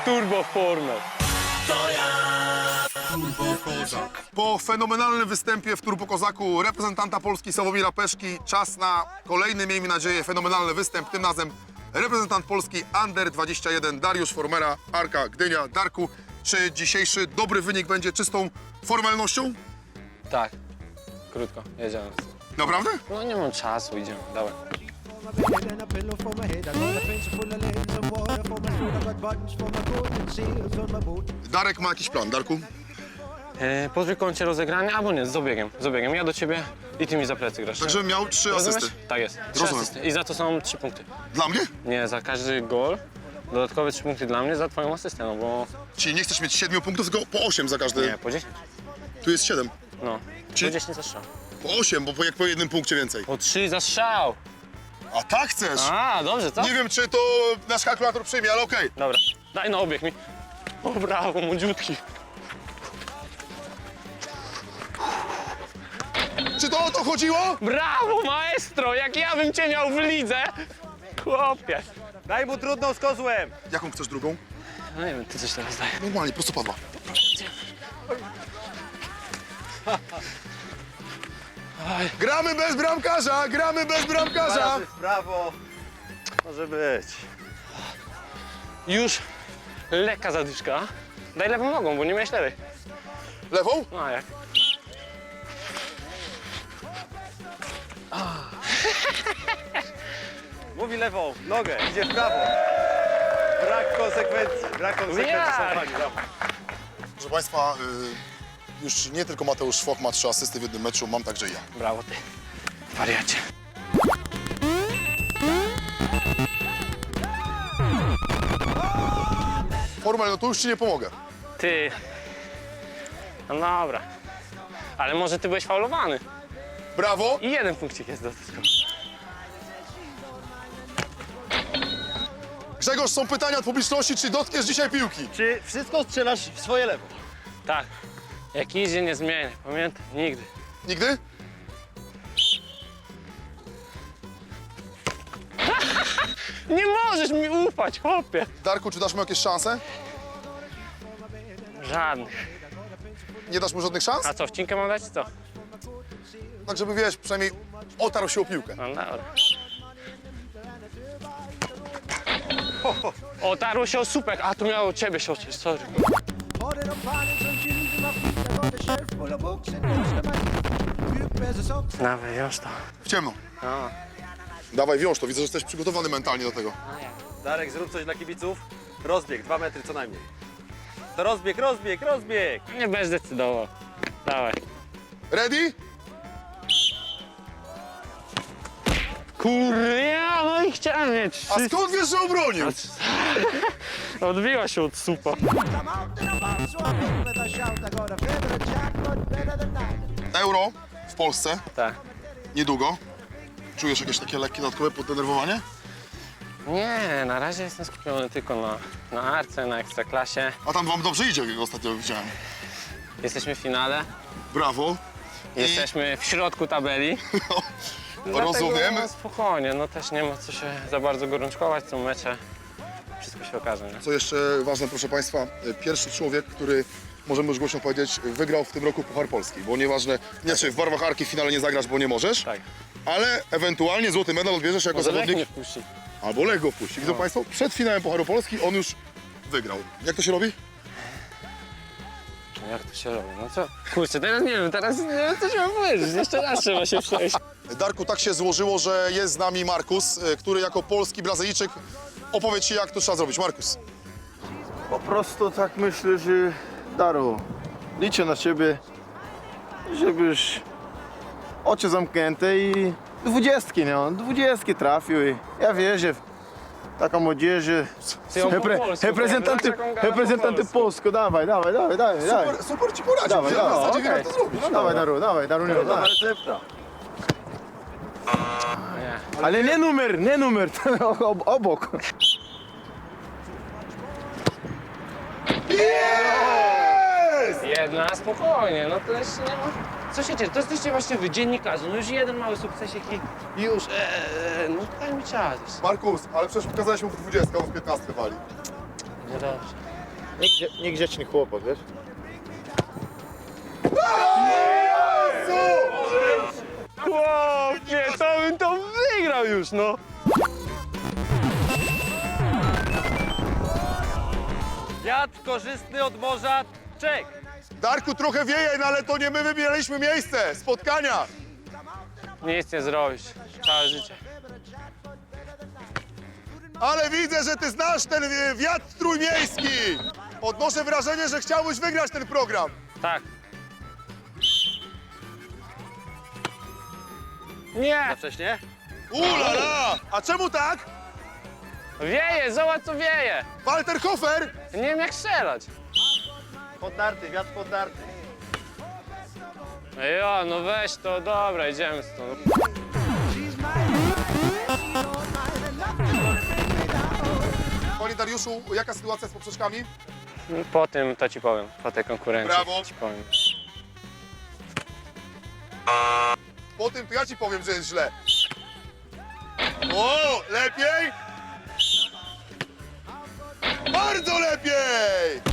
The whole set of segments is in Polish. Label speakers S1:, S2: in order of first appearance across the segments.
S1: turbo formę.
S2: Po fenomenalnym występie w Turbo Kozaku reprezentanta Polski Sławomira Peszki czas na kolejny, miejmy nadzieję, fenomenalny występ. Tym razem reprezentant Polski Under 21 Dariusz Formera, Arka Gdynia. Darku, czy dzisiejszy dobry wynik będzie czystą formalnością?
S1: Tak, krótko, jedziemy.
S2: Naprawdę?
S1: No nie mam czasu, idziemy, dawaj.
S2: Darek ma jakiś plan, Darku?
S1: Po trójkącie rozegrania, albo nie, z obiegiem. Ja do ciebie i ty mi za plecy grasz.
S2: Także miał 3
S1: Rozumiesz?
S2: asysty.
S1: Tak jest. 3
S2: Rozumiem.
S1: asysty. I za to są 3 punkty.
S2: Dla mnie?
S1: Nie, za każdy gol dodatkowe 3 punkty dla mnie, za twoją asystę, no bo...
S2: Czyli nie chcesz mieć 7 punktów, tylko po 8 za każdy.
S1: Nie, po 10.
S2: Tu jest 7.
S1: No,
S2: Czyli-
S1: po 10 za strzał.
S2: Po 8, bo jak po jednym punkcie więcej.
S1: Po 3 za strzał.
S2: A tak chcesz?
S1: A, dobrze, co?
S2: Nie wiem, czy to nasz kalkulator przyjmie, ale okej.
S1: Dobra, daj no obieg mi. O, brawo, młodziutki.
S2: Czy to o to chodziło?
S1: Brawo, maestro, jak ja bym cię miał w lidze. Chłopie.
S3: Daj mu trudną z kozłem!
S2: Jaką chcesz drugą?
S1: No nie wiem, ty coś teraz daj.
S2: Normalnie, prostopadła. Gramy bez bramkarza, gramy bez bramkarza.
S3: Razy w prawo. Może być.
S1: Już lekka zadyszka. Daj lewą nogą, bo nie miałeś lewej.
S2: Lewą?
S1: No a jak?
S3: Mówi lewą, nogę, idzie w prawo. Brak konsekwencji, brak konsekwencji.
S1: Ja.
S3: są fani, brawo.
S2: Proszę Państwa, już nie tylko Mateusz Szwok ma 3 asysty w jednym meczu, mam także i ja.
S1: Brawo ty, wariacie.
S2: Formal, no to już Ci nie pomogę.
S1: Ty. No dobra. Ale może ty byłeś faulowany.
S2: Brawo.
S1: I 1 punkcik jest do tego.
S2: Grzegorz, są pytania od publiczności, czy dotkniesz dzisiaj piłki?
S3: Czy wszystko strzelasz w swoje lewo?
S1: Tak. Jak idzie, nie zmienię. Pamiętaj, nigdy.
S2: Nigdy?
S1: Nie możesz mi ufać, chłopie.
S2: Darku, czy dasz mu jakieś szanse?
S1: Żadnych.
S2: Nie dasz mu żadnych szans?
S1: A co, wcinkę mam dać, czy co?
S2: Tak, żeby wiesz, przynajmniej otarł się o piłkę.
S1: No dobra. Otarło się o słupek, a tu miało ciebie się oczyć, sorry. Dawaj, już to.
S2: W ciemno.
S1: No.
S2: Dawaj, wiąż to. Widzę, że jesteś przygotowany mentalnie do tego.
S3: Darek, zrób coś dla kibiców. Rozbieg, 2 metry co najmniej. To rozbieg, rozbieg, rozbieg!
S1: Nie będziesz decydował. Dawaj.
S2: Ready?
S1: Kurwa, no i chciałem mieć.
S2: A skąd wiesz, że obronił?
S1: Odbiła się od supa.
S2: Euro w Polsce
S1: Tak.
S2: niedługo. Czujesz jakieś takie lekkie dodatkowe poddenerwowanie?
S1: Nie, na razie jestem skupiony tylko na Arce, na Ekstraklasie.
S2: A tam wam dobrze idzie, jak ostatnio widziałem.
S1: Jesteśmy w finale,
S2: Brawo.
S1: jesteśmy w środku tabeli.
S2: Rozumiem.
S1: Dlatego, no, spokojnie, no też nie ma co się za bardzo gorączkować, są mecze. Wszystko się okaże, nie?
S2: Co jeszcze ważne, proszę Państwa, pierwszy człowiek, który, możemy już głośno powiedzieć, wygrał w tym roku Puchar Polski. Bo nieważne, nie, czy w barwach Arki w finale nie zagrasz, bo nie możesz,
S1: Tak.
S2: ale ewentualnie złoty medal odbierzesz jako
S1: Może Lech
S2: zawodnik.
S1: nie wpuści.
S2: Albo Lech go wpuści. Widzą Państwo, przed finałem Pucharu Polski on już wygrał. Jak to się robi?
S1: No jak to się robi? No co? Kurczę, teraz nie wiem, co się mam powiedzieć. Jeszcze raz trzeba się przejść.
S2: Darku, tak się złożyło, że jest z nami Markus, który jako polski Brazylijczyk opowie Ci, jak to trzeba zrobić. Markus.
S4: Po prostu tak myślę, że Daru, liczę na ciebie, żebyś oczy zamknięte i 20, no, 20 trafił i ja wierzę w taką młodzieży,
S1: Ty ją po polsku
S4: reprezentanty,
S1: powiesz, jaką gada po
S4: reprezentanty
S1: polsku.
S4: Polsku, dawaj, dawaj, dawaj, dawaj, dawaj.
S2: Super Ci poradził.
S4: Dawaj,
S2: W
S4: dawaj,
S2: zasadzie wiem,
S4: okej.
S2: jak to zrobić.
S4: Dawaj, Daru, nie dawaj.
S1: Nie.
S4: Ale nie numer, obok.
S1: Jedna, spokojnie, no to jeszcze nie ma... Co się dzieje? To jesteście właśnie wy, dziennikarze, no już jeden mały sukcesik i już, no daj mi czas.
S2: Markus, ale przecież pokazałeś mu w 20, on w 15 wali.
S1: Niedobrze.
S4: Niegrzeczny chłopak, wiesz?
S3: Chłopie, to bym to wygrał już, no. Wiatr korzystny od morza, czek.
S2: Darku, trochę wieje, no ale to nie my wybieraliśmy miejsce spotkania.
S1: Nic nie zrobisz. Całe życie.
S2: Ale widzę, że ty znasz ten wiatr trójmiejski. Odnoszę wrażenie, że chciałbyś wygrać ten program.
S1: Tak. Nie!
S3: Za wcześnie?
S2: Ulala! A czemu tak?
S1: Wieje, zobacz co wieje!
S2: Walter Hofer?
S1: Nie wiem jak strzelać.
S4: Poddarty, wiatr poddarty.
S1: Jo, no weź to, dobra, idziemy stąd.
S2: Panie Dariuszu, jaka sytuacja z poprzeczkami?
S1: Po tym to ci powiem, po tej konkurencji
S2: Brawo.
S1: ci powiem.
S2: Po tym to ja ci powiem, że jest źle. O, lepiej? Bardzo lepiej!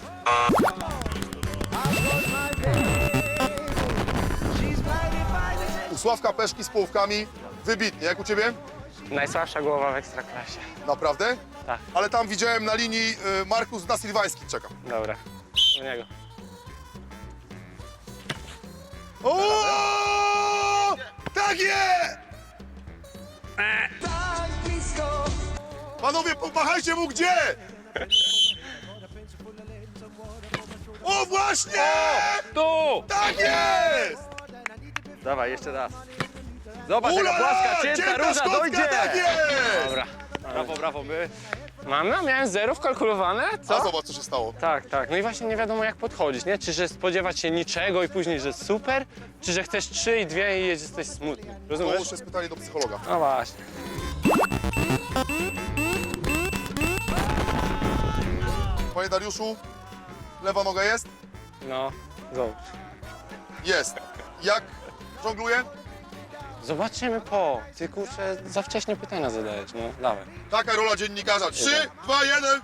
S2: U Sławka Peszki z połówkami wybitnie. Jak u ciebie?
S1: Najsłabsza głowa w Ekstraklasie.
S2: Naprawdę?
S1: Tak.
S2: Ale tam widziałem na linii Markus da Silvański czeka.
S1: Dobra, do niego.
S2: O! Tak jest! Panowie, pomachajcie mu gdzie? O, właśnie!
S1: Tu!
S2: Tak jest!
S3: Dawaj, jeszcze raz. Zobacz, jaka
S2: Ulala!
S3: płaska, cięta róża,
S2: szkocka,
S3: dojdzie!
S2: tak jest!
S1: Dobra.
S3: Brawo, brawo, my.
S1: Mamy? Miałem zero wkalkulowane?
S2: A
S1: Co?
S2: zobacz, co się stało.
S1: Tak, tak. No i właśnie nie wiadomo jak podchodzić, nie? Czy że spodziewać się niczego i później, że super, czy że chcesz 3 i 2 i jesteś smutny.
S2: To
S1: Rozumiesz?
S2: już jest pytanie do psychologa.
S1: No właśnie.
S2: Panie Dariuszu, lewa noga jest?
S1: No, zobacz.
S2: Jest. Jak żongluje?
S1: Zobaczymy po. Ty kurczę, za wcześnie pytania zadajesz, no dawaj.
S2: Taka rola dziennikarza. 3, 2, 1.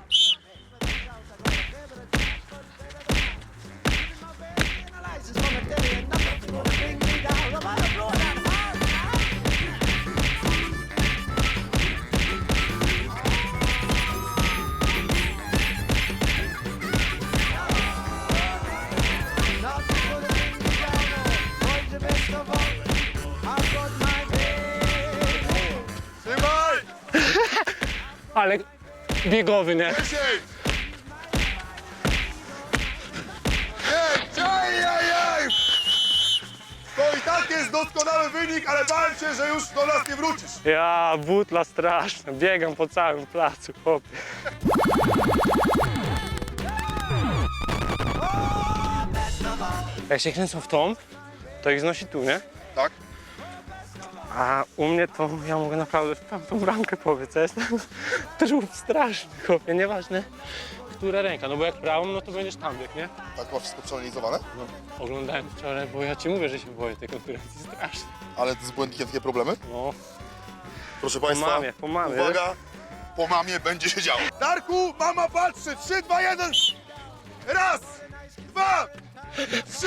S2: Trzymaj!
S1: Ale biegowy, nie?
S2: 10! Nie, ajajaj! To i tak jest doskonały wynik, ale bałem się, że już do nas nie wrócisz.
S1: Ja, butla straszna, biegam po całym placu, chłopie. Jak się kręcą w tą, to ich znosi tu, nie?
S2: Tak?
S1: A u mnie to ja mogę naprawdę w tamtą bramkę powiedz, ja jestem trup straszny, chłopie, nieważne która ręka, no bo jak prawą, no to będziesz tam biegł, nie?
S2: Tak ma wszystko przeanalizowane?
S1: No, oglądałem wczoraj, bo ja ci mówię, że się boję tej konkurencji strasznie.
S2: Ale z błędnikiem takie problemy?
S1: No,
S2: Proszę
S1: po
S2: Państwa,
S1: mamie, po mamie.
S2: uwaga, po mamie będzie się działo. Darku, mama patrzy, 3, 2, 1. Raz, 2, 3.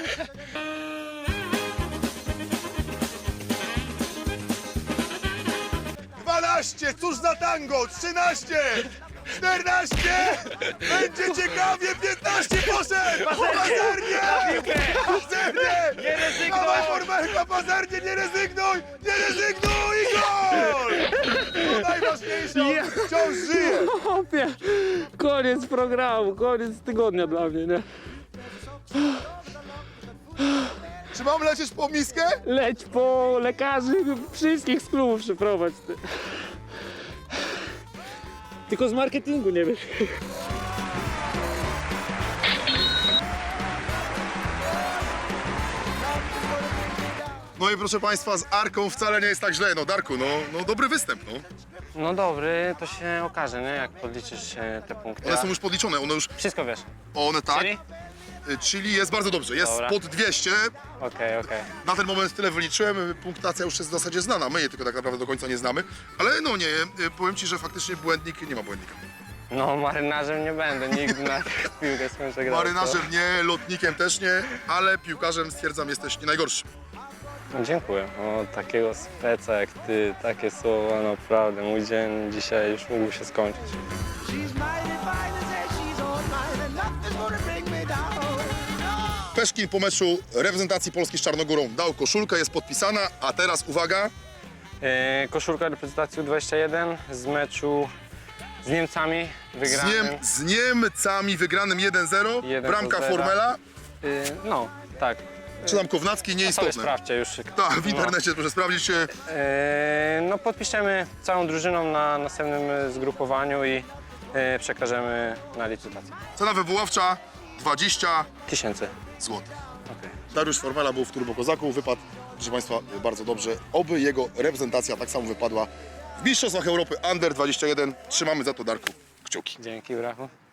S2: Cóż za tango, 13, 14, będzie ciekawie, 15 poszedł! Pazernie! Pazernie!
S3: Nie rezygnuj!
S2: Mała formelka, pazernie, nie rezygnuj! Nie rezygnuj i gol! To najważniejsze, on wciąż żyje!
S1: Chłopie, koniec programu, koniec tygodnia dla mnie, nie?
S2: Czy mam lecieć po miskę?
S1: Leć po lekarzy, wszystkich z klubu przyprowadź, ty. Tylko z marketingu nie wiesz.
S2: No i proszę Państwa, z Arką wcale nie jest tak źle. No Darku, no dobry występ, no.
S1: No dobry, to się okaże, nie? Jak podliczysz te punkty.
S2: One są już podliczone, one już,
S1: Wszystko wiesz.
S2: one tak.
S1: Czyli?
S2: Czyli jest bardzo dobrze, jest
S1: Dobra.
S2: pod 200.
S1: Okej.
S2: Na ten moment tyle wyliczyłem, punktacja już jest w zasadzie znana, my jej tylko tak naprawdę do końca nie znamy. Ale no nie, powiem Ci, że faktycznie błędnik, nie ma błędnika.
S1: No, marynarzem nie będę, nigdy na piłkę skończę grać.
S2: Marynarzem nie, lotnikiem też nie, ale piłkarzem stwierdzam jesteś nie najgorszy.
S1: No, dziękuję. O, takiego speca jak ty, takie słowa, naprawdę. Mój dzień dzisiaj już mógł się skończyć.
S5: She's mighty fine and says she's all mine and nothing's gonna bring me down.
S2: Peszkin po meczu reprezentacji Polski z Czarnogórą dał koszulkę, jest podpisana, a teraz uwaga,
S1: Koszulka reprezentacji U21 z meczu z Niemcami wygranym.
S2: z Niemcami wygranym 1-0,
S1: 1-0.
S2: bramka Formela,
S1: No, tak.
S2: czy tam Kownacki,
S1: Sobie
S2: nieistotne.
S1: sprawdźcie już.
S2: Tak, w internecie proszę sprawdzić się.
S1: No, podpiszemy całą drużyną na następnym zgrupowaniu i przekażemy na licytację.
S2: Cena wywoławcza 20
S1: 1000.
S2: zł.
S1: Okej.
S2: Dariusz Formela był w Turbo Kozaku, wypadł, proszę Państwa, bardzo dobrze. Oby jego reprezentacja tak samo wypadła w Mistrzostwach Europy Under 21. Trzymamy za to, Darku, kciuki.
S1: Dzięki, brachu.